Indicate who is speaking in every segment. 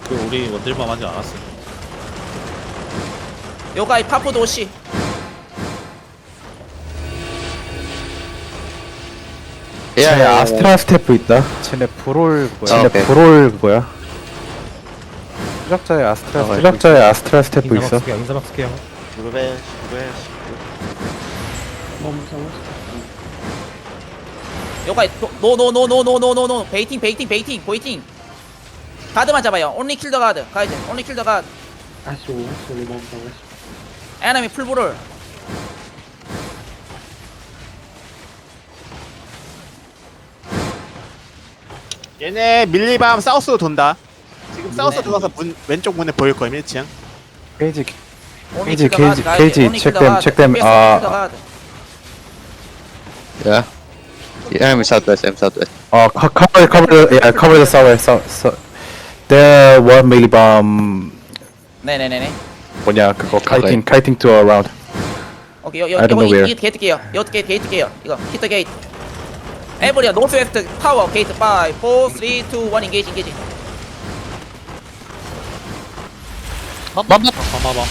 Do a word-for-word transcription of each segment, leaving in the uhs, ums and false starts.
Speaker 1: 그 우리 원딜밤 하지 않았어.
Speaker 2: 요가이 파푸 도시.
Speaker 3: 쟤네
Speaker 4: 야야
Speaker 3: 아스트라 스태프 있다.
Speaker 5: 쟤네 브롤
Speaker 4: 아,
Speaker 5: 뭐야?
Speaker 3: 쟤네
Speaker 4: 오케이.
Speaker 3: 브롤 그거야.
Speaker 5: 추적자의 아스트라 스태프
Speaker 3: 추적자의 아스트라 스태프 있어.
Speaker 5: 인사막 쓸게요. 인사막 쓸게요.
Speaker 4: 무릎에 무릎에
Speaker 2: 요가이 노노노노노노노노 베이팅 베이팅 베이팅 베이팅. 가드만 잡아요. 온리 킬더 가드. 가이드. 온리 킬더 가드. 에너미 풀브롤.
Speaker 6: 얘네 밀리밤 사우스로 돈다. 지금 사우스
Speaker 2: 네.
Speaker 6: 들어가서 문 왼쪽 문에 보일 거예요. 일 층.
Speaker 3: 케이지
Speaker 2: 온리
Speaker 3: 케이지,
Speaker 2: 킬더
Speaker 3: 케이지,
Speaker 2: 가드. 가이드.
Speaker 3: 케이지,
Speaker 2: 온리
Speaker 3: check
Speaker 2: 킬더
Speaker 3: them,
Speaker 2: 가드.
Speaker 3: check them.
Speaker 2: 베스트
Speaker 3: 아.
Speaker 2: 킬더 가드.
Speaker 4: yeah the enemy southwest I'm southwest
Speaker 3: 어 co- cover cover the yeah cover the south so so there one millibomb
Speaker 2: 네네네네.
Speaker 3: 뭐냐 그거
Speaker 4: Okay.
Speaker 3: kiting kiting to around.
Speaker 2: 오케이 요, 요,
Speaker 3: I don't
Speaker 2: 요거
Speaker 3: know
Speaker 2: 이,
Speaker 3: where.
Speaker 2: 이 게이트 게요. 요 게이트 게이트 게요. 이거 히터 게이트. 에브리야 노스 웨스트 파워 게이트 오, 사, 삼, 이, 일 인게이지 인게이지.
Speaker 1: 밤밤밤. 밤밤밤.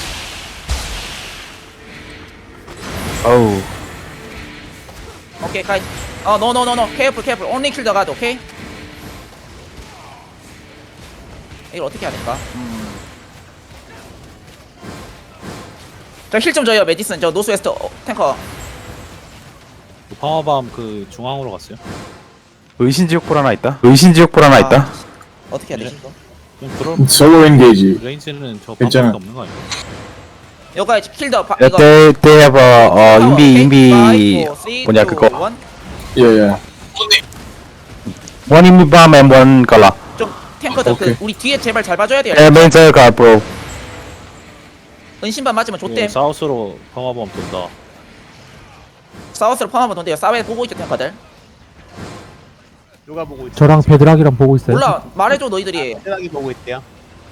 Speaker 3: 어우
Speaker 2: 오케이 가이드. 어 노노노노 케어풀 케어풀 온리 킬더 가드. 오케이. 이걸 어떻게 해야 될까? 음. 저힐 좀 줘요 메디슨. 저 노스 웨스트 어, 탱커.
Speaker 1: 그 밤밤 그 중앙으로 갔어요.
Speaker 3: 의신지옥불 하나 있다. 의신지옥불 하나
Speaker 2: 아.
Speaker 3: 있다.
Speaker 2: 어떻게 해야 되지 이거?
Speaker 1: 그럼 그럼
Speaker 7: 솔로 엔게이지.
Speaker 1: 레인지는 저
Speaker 7: 괜찮아.
Speaker 1: 밤밖에 없는 거 아니야?
Speaker 2: 요가 킬더 바,
Speaker 3: Yeah,
Speaker 2: 이거
Speaker 3: they they have a 어
Speaker 2: 파워,
Speaker 3: 인비
Speaker 2: 오케이?
Speaker 3: 인비
Speaker 2: 파이브, 사,
Speaker 3: 뭐냐
Speaker 2: 이,
Speaker 3: 그거
Speaker 2: 일.
Speaker 7: 예예.
Speaker 3: one 인비 bomb and one gala.
Speaker 2: 좀 탱커들 그
Speaker 7: 오케이.
Speaker 2: 우리 뒤에 제발 잘 봐줘야 돼요.
Speaker 3: Yeah, main car bro.
Speaker 2: 은신반 맞으면
Speaker 1: 그
Speaker 2: 좆댐.
Speaker 1: 사우스로 밤밤 돈다.
Speaker 2: 사우스로 펌하면 돈대요. 사웨 보고 있죠 탱커들.
Speaker 6: 누가 보고 있어?
Speaker 5: 저랑 베드락이랑 보고 있어요.
Speaker 2: 몰라 말해줘 너희들이.
Speaker 6: 대단하게 보고 있대요.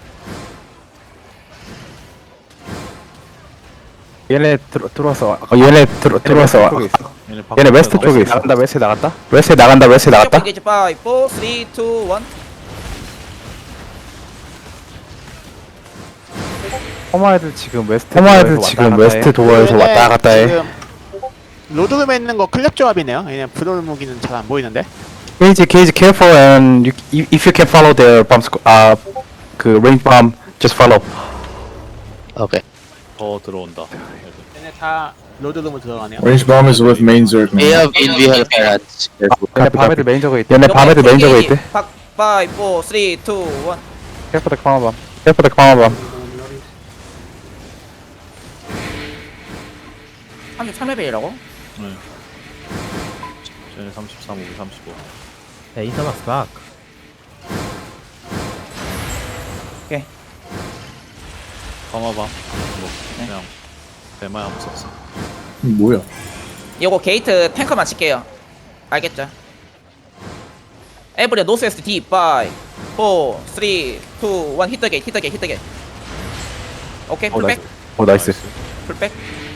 Speaker 3: 얘네 들어 들어왔어. 어, 얘네 들어 들어왔어.
Speaker 1: 얘네,
Speaker 3: 얘네 웨스트 쪽에 있어. 나간다 웨스트 나갔다. 웨스트 나간다 웨스트 나갔다.
Speaker 2: 이제 오, 사, 삼, 이, 일.
Speaker 3: 허마 애들 지금 웨스트. 허마 애들 지금 웨스트 도어에서
Speaker 6: 얘네
Speaker 3: 왔다 갔다 해.
Speaker 6: 지금 로드룸에 있는 거 클랩 조합이네요. 얘네 브롤 무기는 잘 안 보이는데.
Speaker 3: 케이지 케이지 careful and you, if you can follow their bomb squ- 아그 range bomb just follow.
Speaker 4: okay
Speaker 1: 더 들어온다.
Speaker 6: 얘네 다 로드룸으로 들어가네요.
Speaker 7: Range bomb is with main Zerg
Speaker 4: we
Speaker 7: man.
Speaker 4: have in we have rats careful
Speaker 3: 얘네 밤에들 메인 저거 있대. 얘네 밤에들 메인 저거 있대.
Speaker 2: 오, 사, 삼, 이, 일.
Speaker 3: Careful the command bomb. Careful the command bomb.
Speaker 2: 삼십삼 레벨이라고?
Speaker 1: 네. 쟤네 삼십삼, 우리 삼십오.
Speaker 5: 야 인사막 싹.
Speaker 1: 밤밤. 뭐 그냥 대마야 한번 썼어.
Speaker 7: 뭐야?
Speaker 2: 요거 게이트 탱커만 칠게요. 알겠죠? 에브리야 노스 웨스트 D 오, 사, 삼, 이, 일. 히터 게이트 히터 게이트 히터 게이트. 오케이
Speaker 3: 어
Speaker 2: 풀백
Speaker 3: 나이스. 어 나이스.
Speaker 2: 풀백.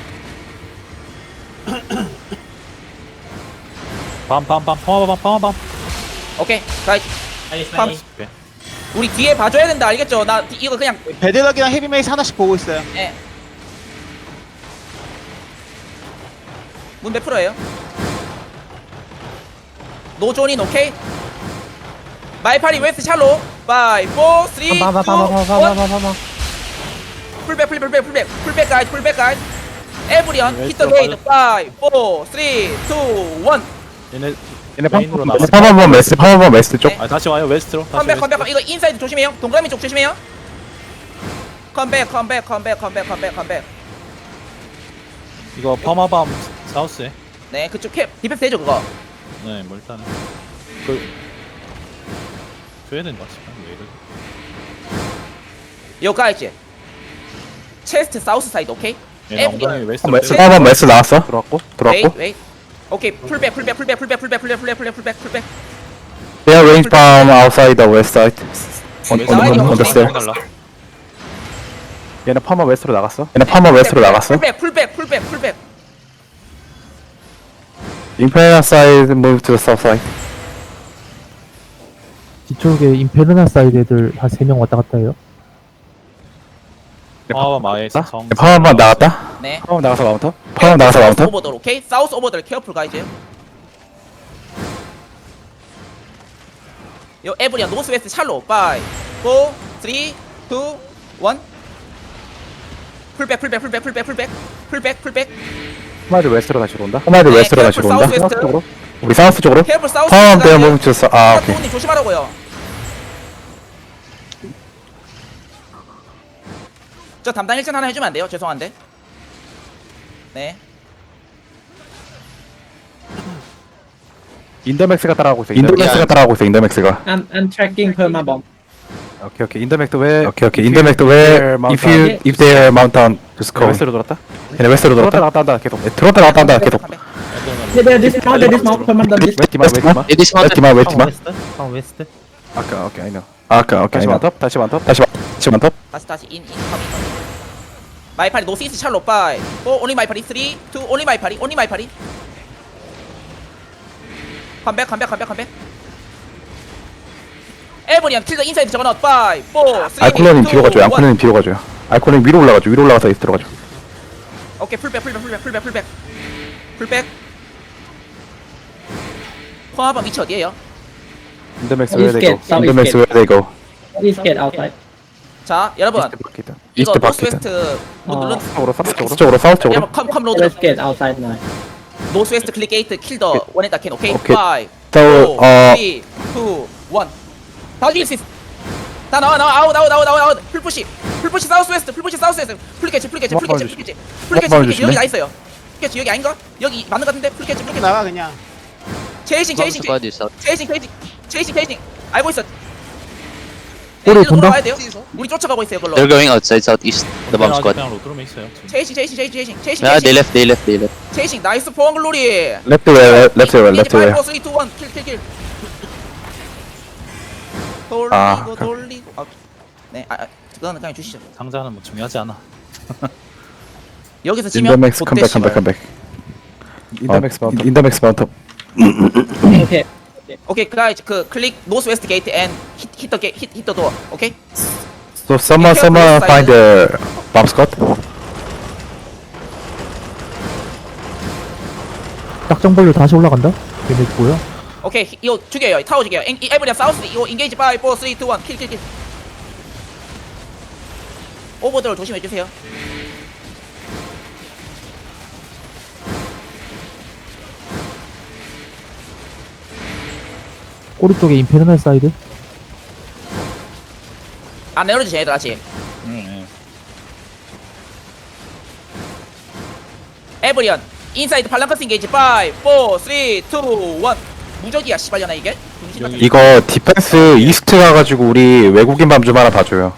Speaker 1: 밤밤밤. 밤밤밤. 밤밤.
Speaker 2: 오케이 가이. 팜.
Speaker 1: 오케이.
Speaker 2: 우리 뒤에 봐줘야 된다 알겠죠? 나 디- 이거 그냥
Speaker 6: 베드락이랑 헤비메이스 하나씩 보고 있어요.
Speaker 2: 예. 문 몇 프로예요? 노존인 오케이? 마이파리 웨스트 샬로 오, 사, 삼, 이, 일.
Speaker 5: 봐봐봐봐봐봐봐봐.
Speaker 2: 풀백 풀백 풀백 풀백 풀백 가이드 풀백 가이드 에브리언
Speaker 1: 웨스트
Speaker 2: 히터 게이드 오, 사, 삼, 이, 일.
Speaker 1: 얘네
Speaker 3: 얘네
Speaker 1: 메인으로
Speaker 3: 팜
Speaker 1: 나왔어.
Speaker 3: 팜 bomb 웨스트 팜 bomb 웨스트 쪽.
Speaker 2: 네.
Speaker 1: 아 다시 와요 웨스트로. 다시
Speaker 2: 컴백 컴백
Speaker 1: 웨스트로.
Speaker 2: 이거 인사이드 조심해요 동그라미 쪽 조심해요 컴백 컴백 컴백 컴백 컴백 컴백
Speaker 1: 이거 밤밤 사우스에.
Speaker 2: 네 그쪽 캡 디펜스 되죠 그거
Speaker 1: 네, 뭐 일단은 그 줘야 된다 싶어. 왜 이래?
Speaker 2: 요 가이즈 체스트 사우스 사이드 오케이?
Speaker 1: 얘네 엉덩이
Speaker 2: 에브리언
Speaker 1: 웨스트로.
Speaker 3: 웨스트
Speaker 1: 때려.
Speaker 3: 팜 bomb 웨스트 나왔어. 들어왔고
Speaker 2: 웨이트
Speaker 3: 들어왔고.
Speaker 2: 웨이트 오케이 풀백 풀백 풀백 풀백 풀백 풀백 풀백 풀백 풀백 풀백
Speaker 3: They are range bomb outside the west side. On
Speaker 1: 웨스트
Speaker 3: on on, on the
Speaker 2: 웨스트
Speaker 3: stair.
Speaker 1: 달라.
Speaker 3: 얘네 팜 웨스트로 나갔어. 얘네 팜 웨스트로 나갔어.
Speaker 2: 풀백 풀백 풀백 풀백
Speaker 3: Imperial side move to the south side.
Speaker 5: 뒤쪽에 임페르나 사이드 애들 한 세 명 왔다 갔다 해요.
Speaker 1: 파워 마의
Speaker 3: 나?
Speaker 1: 성.
Speaker 3: 파워만 나갔다.
Speaker 2: 네.
Speaker 3: 파워 나가서 마운터. 파워 나가서 마운터.
Speaker 2: 오버들 오케이. 사우스 오버들 케어풀 가이즈. 요 에브리아 노스 웨스트 샬로 파이 사 삼 이 일 풀백 풀백 풀백 풀백 풀백 풀백 풀백
Speaker 3: 호마이드 웨스트로 다시 온다. 호마이드
Speaker 2: 네,
Speaker 3: 웨스트로 다시
Speaker 2: 케어풀
Speaker 3: 온다.
Speaker 2: 사우스 웨스트.
Speaker 3: 쪽으로. 우리 사우스 쪽으로.
Speaker 2: 케어풀 사우스
Speaker 3: 파워
Speaker 2: 웨스트
Speaker 3: 대어
Speaker 2: 가이즈.
Speaker 3: 멈췄어. 아 오케이.
Speaker 2: 님 조심하라고요. 저 담당 일전 하나 해주면 안 돼요? 죄송한데. 네.
Speaker 3: 인더맥스가 따라가고 있어. 인더맥스가 따라가고 있어. 인더맥스가.
Speaker 8: I'm I'm tracking perma bomb.
Speaker 3: 오케이 오케이. 인더맥스 왜? 오케이 오케이. 인더맥스 왜? If you if they mount down, just go. 웨스트로 돌았다. 얘네 웨스트로 돌았다. 나갔다 한다 계속. 들어왔다 나갔다 한다 계속.
Speaker 8: They they dismount, they dismount, perma bomb dis.
Speaker 3: 웨스티마 웨스티마.
Speaker 4: It is mounted.
Speaker 3: 웨스티마
Speaker 5: 파워
Speaker 3: 웨스티마.
Speaker 5: 웨스트? 파워 웨스트?
Speaker 3: 아까 오케이 아니요. 아까 오케이. 다시 만톱. 다시 만톱. 다시 다시 만톱.
Speaker 2: 다시 다시 인, 인, 컴, 인. 마이파리 노스 이스트 샬로 파이 오 온리 마이파리 삼 이 온리 마이파리 온리 마이파리 컴백 컴백 컴백 컴백 에브리안 킬더 인사이드 저거넛 파이 사 삼
Speaker 3: 알코올님 뒤로 가줘요. 알코올님 뒤로 가줘요. 알코올님 위로 올라가죠. 위로 올라가서 이스 들어가죠.
Speaker 2: 오케이 풀백 풀백 풀백 풀백 풀백 풀백 포함한 위치 어디에요?
Speaker 3: 인더맥스
Speaker 8: East
Speaker 3: where they
Speaker 8: gate,
Speaker 3: go.
Speaker 8: south
Speaker 3: 인더맥스
Speaker 8: east
Speaker 3: where they go.
Speaker 8: Please get outside.
Speaker 2: 자 여러분
Speaker 3: 이스트 바퀴다.
Speaker 2: 이거
Speaker 3: 이스트
Speaker 2: 노스
Speaker 3: 바퀴다.
Speaker 2: 웨스트 뭐
Speaker 8: 어.
Speaker 2: 눌러
Speaker 3: 쪽으로 사우스 쪽으로. 쪽으로 사우스 쪽으로.
Speaker 2: 여러분 컴컴 로드
Speaker 8: Let's get outside now.
Speaker 2: 노스 웨스트 클릭 게이트 킬더 원에다 캔 오케이
Speaker 3: 오케이.
Speaker 2: 파이
Speaker 3: So
Speaker 2: 사,
Speaker 3: 어
Speaker 2: 삼, 이, 일 다 죽일 수 있어 다 나와 나와 아웃 아웃 아웃 아웃 아웃 풀푸시 풀푸시 사우스 웨스트 풀푸시 사우스 웨스트 풀캐치 풀캐치 풀캐치 풀캐치 풀캐치 풀캐치 여기 나 있어요 풀캐치 여기 아닌가? 여기 맞는 것 같은데 풀캐치
Speaker 6: 이렇게
Speaker 2: 풀캐치
Speaker 6: 나가 그냥.
Speaker 2: 제이싱
Speaker 4: Bomb
Speaker 2: 제이싱
Speaker 4: squad is out.
Speaker 2: 제이싱 제이싱 제이싱 제이싱 알고 있어
Speaker 5: 꼬리
Speaker 2: 이리로
Speaker 5: 돈다?
Speaker 2: 돌아와야 돼요 우리 쫓아가고 있어요 그걸로
Speaker 4: They're going outside southeast. The bomb squad.
Speaker 1: 그냥 로드룸에 있어요. 지금.
Speaker 2: 제이싱 제이싱 제이싱 제이싱 제이싱
Speaker 4: Yeah, they
Speaker 2: 제이싱
Speaker 4: left. They left. They left.
Speaker 2: 제이싱 나이스 포항 글로리
Speaker 3: left way left way left way.
Speaker 2: 오, 삼, 이, 일 킬킬킬
Speaker 3: 아,
Speaker 2: 돌리고 돌리고 아, 네 아, 아 그거는 그냥 주시죠
Speaker 1: 상자는 뭐 중요하지 않아.
Speaker 2: 여기서 치면
Speaker 3: 인더맥스 컴백 컴백 컴백. 인더맥스 마운터. 인더맥스 마운터.
Speaker 8: Okay.
Speaker 2: 오케이 guys 그 클릭 노스 웨스트 게이트 앤 hit the gate hit hit the door 오케이
Speaker 3: So someone someone find the bomb squad.
Speaker 5: 딱정 벌려 다시 올라간다? 얘네 뭐야?
Speaker 2: 오케이 히- 이거 죽여요 타워 죽여요 엔- 이 에브리아 사우스 이거 인게이지 오, 사, 삼, 이, 일 킬킬킬 오버돌 조심해주세요
Speaker 5: 꼬리 쪽에 임페르나 사이드?
Speaker 2: 안 내려주세요 얘들 아직
Speaker 1: 네.
Speaker 2: 에브리언 인사이드 발랑커스 인게이지 오, 사, 삼, 이, 일 무적이야 씨발려나 이게 정신 같은
Speaker 3: 이거 디펜스 이스트 가가지고 우리 외국인 밤 좀 하나 봐줘요.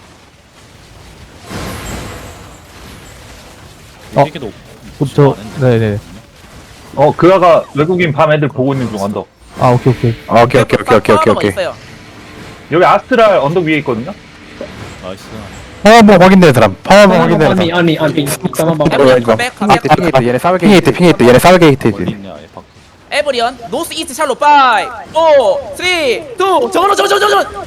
Speaker 5: 어.
Speaker 1: 이게도
Speaker 5: 그럼 저 네네.
Speaker 9: 어, 그아가 외국인 밤 애들 보고 있는 중 언덕.
Speaker 5: 아 오케이 오케이.
Speaker 3: 아, 오케이 오케이 오케이 오케이 오케이 오케이.
Speaker 2: 있어요.
Speaker 9: 여기 아스트랄 언덕 위에 있거든요.
Speaker 1: 나이스.
Speaker 3: 파워 한번 확인되는 사람. 파워 한번
Speaker 8: Perma bomb
Speaker 3: 확인되는
Speaker 8: on me,
Speaker 3: 사람.
Speaker 8: on me, on me. Perma bomb.
Speaker 2: 에브리언
Speaker 3: 이거,
Speaker 2: 컴백
Speaker 3: 핑
Speaker 2: 컴백
Speaker 3: 히트 핑 히트 얘네 싸우게 핑 히트 핑 히트 얘네 싸우게 히트
Speaker 1: 어디
Speaker 3: 히트.
Speaker 1: 있냐 얘 밖.
Speaker 2: 에브리언 노스 이스트 샬로 오, 사, 삼, 이, 일 저거로 저거 저거 저거 저거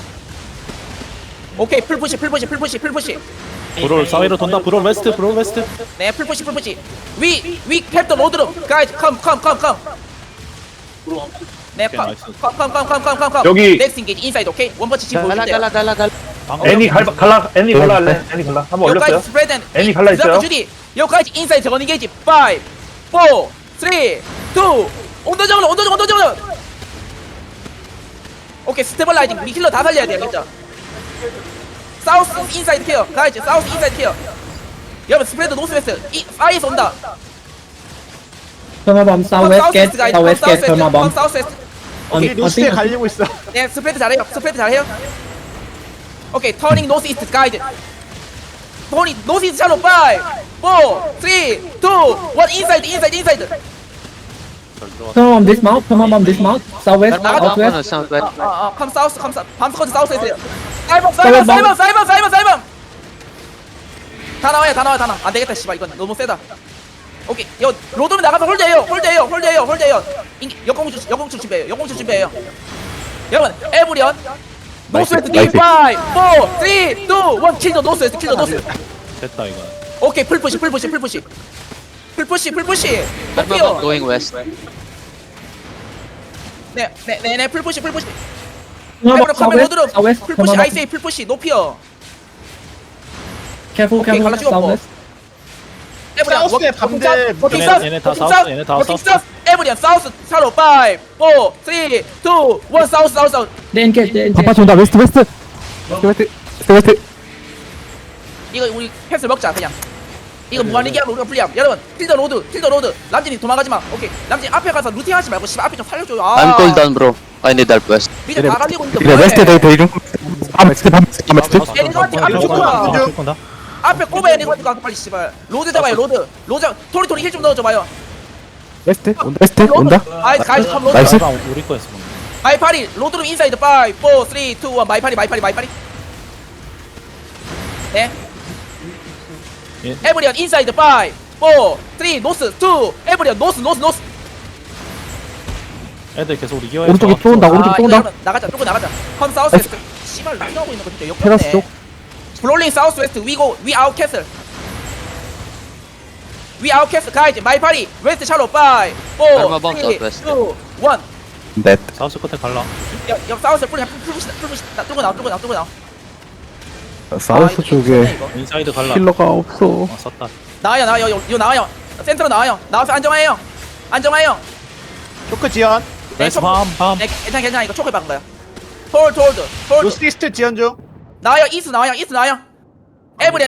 Speaker 2: 오케이 풀푸시 풀푸시 풀푸시 풀푸시
Speaker 1: 브롤 사이로 돈다. 브롤 웨스트. 브롤 웨스트.
Speaker 2: 네 풀푸시 풀푸시 위위 캡터 로드룸 가이즈 컴컴컴컴 네 컴컴컴컴컴컴
Speaker 9: 여기-
Speaker 2: 넥스 인게이지 인사이드 오케이 원펀치 지금
Speaker 4: Gala,
Speaker 2: 보여줄게요
Speaker 4: gala, gala, gala.
Speaker 1: 방금
Speaker 9: 애니 갈 갈라 애니 갈라 할래? 애니 갈라. 한번 올렸어요.
Speaker 2: 여기까지 스프레드 앤
Speaker 9: 애니 갈라 있어요?
Speaker 2: 주디 여기까지 인사이드 저건 인게이지 오, 사, 삼, 이, 온도 저건 온도 저건 온도 저건 오케이 스테벌라이징 우리 힐러 다 살려야 돼요 진짜 사우스 인사이드 케어 가이즈 사우스 인사이드 케어 여러분 스프레드 노스 웨스트 이 아이에서 온다
Speaker 8: Perma bomb southwest gate,
Speaker 2: 가이즈
Speaker 8: southwest gate, perma
Speaker 2: 컴
Speaker 8: bomb.
Speaker 2: 사우스 웨스트
Speaker 8: On
Speaker 6: 우리
Speaker 8: on
Speaker 6: 노스에
Speaker 8: thing.
Speaker 6: 갈리고 있어.
Speaker 2: 네 스프레드 잘해요 스프레드 잘해요 오케이 터닝 노스 이스트 가이드 터닝 노스 이스트 샬로 오, 사, 삼, 이, 일 인사이드 인사이드 인사이드
Speaker 8: Perma bomb dismount, perma bomb dismount. Southwest,
Speaker 2: 나가자.
Speaker 4: No, no,
Speaker 8: southwest.
Speaker 4: southwest.
Speaker 2: 아아 컴 사우스 컴 사우스 밤스커트 사우스 에서요 사이버 사이버 사이버 사이버 사이버 사이버 다 나와요 다 나와요 다 나와 안되겠다 씨발 이건 너무 세다 오케이 여 로드면 나가서 홀드해요 홀드해요 홀드해요 홀드해요 인 여공주 여공주 준비해요 여공주 준비해요 여러분 에브리언 노스웨스트
Speaker 3: 나이스.
Speaker 2: 디 파이브 사 삼 이 일 킬더 노스웨스트 킬더 노스웨스트.
Speaker 1: 됐다 이거.
Speaker 2: 오케이 풀푸시 풀푸시 풀푸시 풀푸시 풀푸시
Speaker 4: Remember
Speaker 2: 높이요.
Speaker 4: going west.
Speaker 2: 네네네 풀푸시 풀푸시
Speaker 8: Come
Speaker 2: 에브리언
Speaker 8: on,
Speaker 2: 카메라
Speaker 8: southwest,
Speaker 2: 로드로
Speaker 8: southwest.
Speaker 2: 풀푸시
Speaker 8: Come on,
Speaker 2: 아이세이 풀푸시 높이요.
Speaker 8: Careful,
Speaker 2: 오케이,
Speaker 8: careful.
Speaker 2: 갈라치고 없고.
Speaker 8: Southwest.
Speaker 2: 에브리언
Speaker 6: 사우스에
Speaker 2: 워킹
Speaker 6: 밤들
Speaker 2: 사우스 워킹
Speaker 1: 얘네-
Speaker 2: 사우스
Speaker 1: 얘네 다
Speaker 2: 워킹
Speaker 1: 사우스,
Speaker 2: 사우스
Speaker 1: 얘네 다
Speaker 2: 워킹
Speaker 1: 사우스.
Speaker 2: 사우스 에브리언 사우스 차로 파이브 사 삼 이 일 사우스 사우스 사우스.
Speaker 8: They engage, they engage.
Speaker 5: 반파치 온다. 웨스트 웨스트.
Speaker 3: 스웨스트 스웨스트
Speaker 2: 이거 우리 패스 먹자 그냥. 이거 무한리기하면 우리가 불리함. 여러분 킬더 로드 킬더 로드. 람진이 도망가지마. 오케이 람진 앞에 가서 루팅 하지 말고 씨발 앞에 좀 살려줘요. 아
Speaker 4: I'm cooled down, bro. I need help west.
Speaker 2: 미드 다 갈리고 있는데
Speaker 3: 그래
Speaker 2: 뭐해.
Speaker 3: 웨스트 데이 데이 중 밤웨스트 밤웨스트 밤웨스트
Speaker 2: 얘네들한테 앞에 쫓아가.
Speaker 1: 쫓아가.
Speaker 2: 앞에 꼽아야 되니까 빨리 씨발. 로드 잡아요 로드. 로드 잡- 토리 토리 힐 좀 넣어줘봐요.
Speaker 3: 웨스트 온다 웨스트
Speaker 2: 로드.
Speaker 3: 온다
Speaker 2: 아이 가이즈 컴 로드.
Speaker 3: 나이스.
Speaker 1: 아, 우리 거였어 방금.
Speaker 2: 마이파리 로드룸 인사이드 파이브 사 삼 이 일 마이파리 마이파리 마이파리. 네.
Speaker 1: 예.
Speaker 2: 에브리언 인사이드 파이브 사 삼 노스 이 에브리언 노스 노스 노스.
Speaker 1: 애들 계속 우리 기어에.
Speaker 5: 오른쪽에 또 온다. 오른쪽
Speaker 2: 아,
Speaker 5: 또
Speaker 2: 이거
Speaker 5: 온다.
Speaker 2: 여러분 나가자. 뚫고 나가자. 컴 사우스 웨스트. 씨발 루팅하고 있는 거 진짜
Speaker 5: 테라스
Speaker 2: 역겹네.
Speaker 5: 쪽.
Speaker 2: 블롤링 사우스 웨스트 위고 위 아웃 캐슬. 위 아웃 캐슬 가이즈 마이파리 웨스트 샬로 파이브
Speaker 4: Karma bomb
Speaker 2: 사 삼 이
Speaker 4: southwest.
Speaker 2: 일
Speaker 3: 넷
Speaker 1: 사우스 끝에 갈라.
Speaker 2: 옆, 옆 사우스 풀 풀푸시 풀푸시 나 뚫고 나와 뚫고 나와 뚫고 나와.
Speaker 3: 사우스
Speaker 2: 이거
Speaker 3: 쪽에
Speaker 2: 좋네, 이거.
Speaker 1: 인사이드 갈라.
Speaker 3: 힐러가 없어
Speaker 1: 어 썼다.
Speaker 2: 나와요 나와요 이거 나와요. 센터로 나와요. 나와서 안정화해요. 안정화해요.
Speaker 6: 초크 지연.
Speaker 1: 웨스트 밤 밤.
Speaker 2: 네, 괜찮아 괜찮아 이거 초크 박은 거야. 홀드 홀드 홀드.
Speaker 6: 노스 이스트 지연 중.
Speaker 2: 나와요 이스 나와요 이스 나와요. 에브리